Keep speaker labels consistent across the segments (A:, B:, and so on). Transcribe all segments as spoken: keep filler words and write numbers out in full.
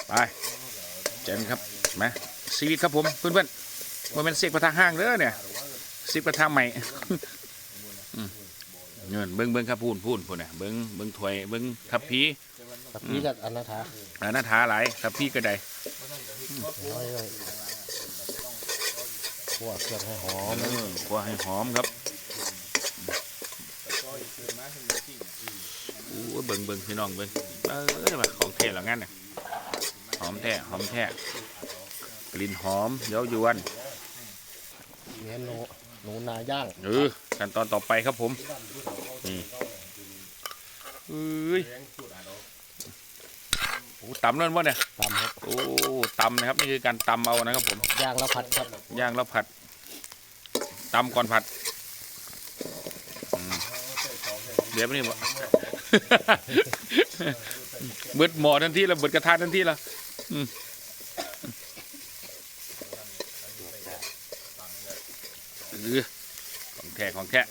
A: ไปเจนครับมาชีวิตครับผมเพื่อนๆมันเป็นเสียกกระทะห้างเด้อเนี่ยเสียกกระทะใหม่เงินเบิ้งเบิ้งครับพูนพูนพูนเนี่ยเบิ้งเบิ้งถวยเบิ้งทับพี
B: ทับพีกับอนาถา
A: อนาถาหลายทับพีก็ได้
B: คั่วเครื่องให้หอม
A: คั่วให้หอมครับโอ้เบิ้งเบิ้งพี่น้องเบิ้งเออมาของแท้หรองั้นเนี่ยหอมแท้หอมแท้กลิ่นหอมเย้ายวน
B: เนื้อหนูหนูนาย่าง
A: เออขั้นตอนต่อไปครับผมนี่เอ้ยโอ้ตำนั่นวะเนี่ย
B: ตำครับ
A: โอ้ตำนะครับนี่คือการตำเอานะครับผม
B: ย่างแล้วผัดครับ
A: ย่างแล้วผัดตำก่อนผัดเดี๋ยวนี่บ่เบิดหม้อทันทีละเบิดกระทะทันทีละของแท้ของแท้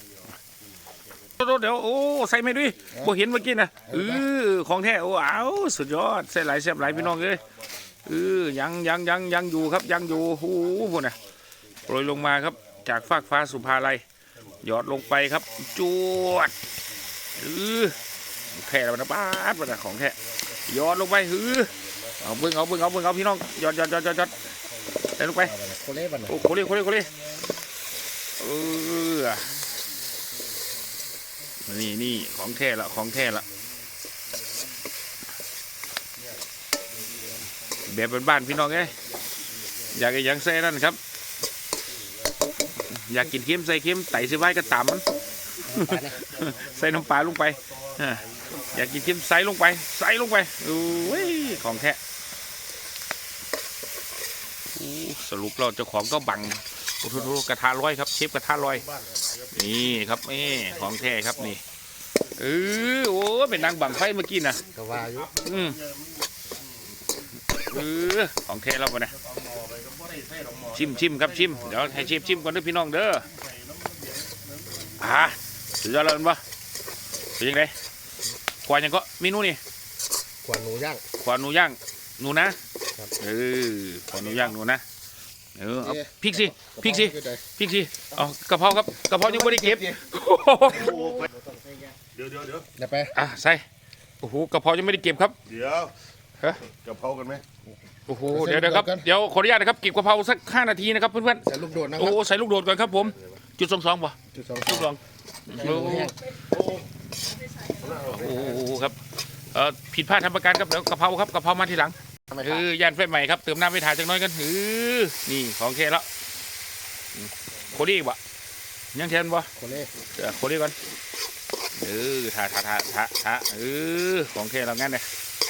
A: เดี๋ยวโอ้ใส่ไม่ด้วยบ่เห็นเมื่อกี้นะเออของแท้โอ้เอาสุดยอดใส่หลายแซ่บหลายพี่น้องเลยเออยังยังยังยังอยู่ครับยังอยู่โอ้โหพวกน่ะโปรยลงมาครับจากฟากฟ้าสุภาลัยหยอดลงไปครับจวดเออแท้แล้วนะป้าดนะของแท้หยอดลงไปเออเอาเบิ้งเอาเบิ้งเอาเบิ้งเอาพี่น้องหยอดหยอดหยอดหยอดใส่ลงไป
B: โคเล่บัน
A: โอ้โคเล่โคเล่โคเล่เออนี่นี่ของแท้ละของแท้ละแบบบ้านๆพี่น้องไงอยากยังใส่นั่นครับอยากกินเค็มใส่เค็มไต่ซื้อไว้ก็ต่ำมันใส่น้ำปลาลงไปอยากกินเค็มใส่ลงไปใส่ลงไปโอ้ยของแท้สรุปเราเจ้าของก็บังโอ้โหกระทะลอยครับเชฟกระทะลอยนี่ครับนี่ของแท้ครับนี่เออโอ้เป็นนางบังไฟเมื่อกี้นะ
B: กว่าอยู่
A: อืมเออของแท้แล้วปะเนี่ยชิมชิมครับชิมเดี๋ยวให้เชฟชิมก่อนด้วยพี่น้องเด้ออ่าสุดยอดเลยปะเป็นยังไงขวานยังก็เมนูนี่
B: ขวานหนูย่าง
A: ขวานหนูย่างหนูนะเออขวานหนูย่างหนูนะเออเอาพริกสิพริกสิพริกสิเอากระเพราครับกระเพรายังไม่ได้เก็บเ
C: ดี๋ยวเดี๋ยวเดี๋ยว
B: เดี๋ยวไป
A: อ่ะใส่โอ้โหกระเพรายังไม่ได้เก็บครับ
C: เดี๋ยว
A: ฮะ
C: กระเพรากันไหม
A: โอ้โหเดี๋ยวเดี๋ยวครับเดี๋ยวขออนุญาตนะครับเก็บกระเพราสักห้านาทีนะครับเพื่อนๆ
B: ใส่ลูกโดดนะครับ
A: โอ้ใส่ลูกโดดก่อนครับผมจุดสองสองป่ะ
B: จุดสอง
A: จุดสองโอ้โหครับเอ่อผิดพลาดทำประกันครับเดี๋ยวกระเพราครับกระเพรามาทีหลังคือย่านไฟใหม่ครับเติมน้ำไปถ่ายจังน้อยกันหือนี่ของแค่แล้วโคลี่บ่ยังแทนบ่
B: โคเล่
A: โคลี่ก่อนเออถ่าถ่าถ่าถ่าถ่าเออของแค่เรางั้นเลย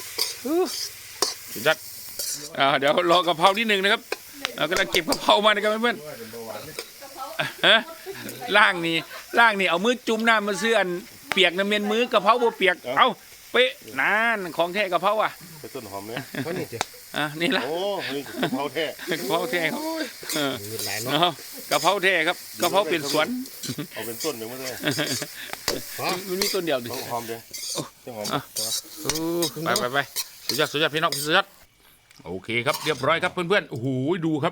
A: สุดยอดเดี๋ยวรอกระเพราที่หนึ่งนะครับเรากำลังเก็บกระเพรามานะครับเพื่อนๆฮะล่างนี่ล่างนี่เอามือจุ่มน้ำมาซื้ออันเปียกน้ำเมียนมือกระเพราบัวเปียกเอ้าเป๊ะนั่นของแท้กระเพราอ่ะ
C: ไปต้นหอมเนี่ย
B: เขานี่จ้ะ
A: อ่ะนี่ละ
C: โอ้กระเพราแท้
A: กระเพราแท้ครับเนาะกระเพราแท้ครับกระเพราเป็นสวน
C: เอาเป็นต้นหนึ่งมาเลย
A: มันมีต้นเดียวดิ
C: หอมเดียวหอม
A: ไปไปไปสุดยอดสุดยอดพี่น้องสุดยอดโอเคครับเรียบร้อยครับเพื่อนๆโอ้โหดูครับ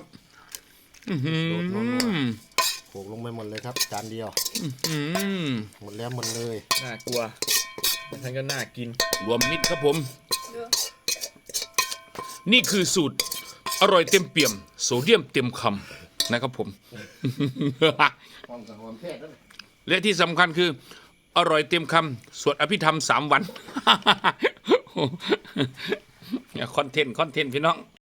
B: โขกลงไปหมดเลยครับจานเดียวหมดแล้วหมดเลย
A: น่ากลัวท่านก็น่ากินรวมมิตรครับผมนี่คือสูตรอร่อยเต็มเปี่ยมโซเดียมเต็มคำนะครับผมและที่สำคัญคืออร่อยเต็มคำสวดอภิธรรมสามวันคอนเทนต์คอนเทนต์พี่น้อง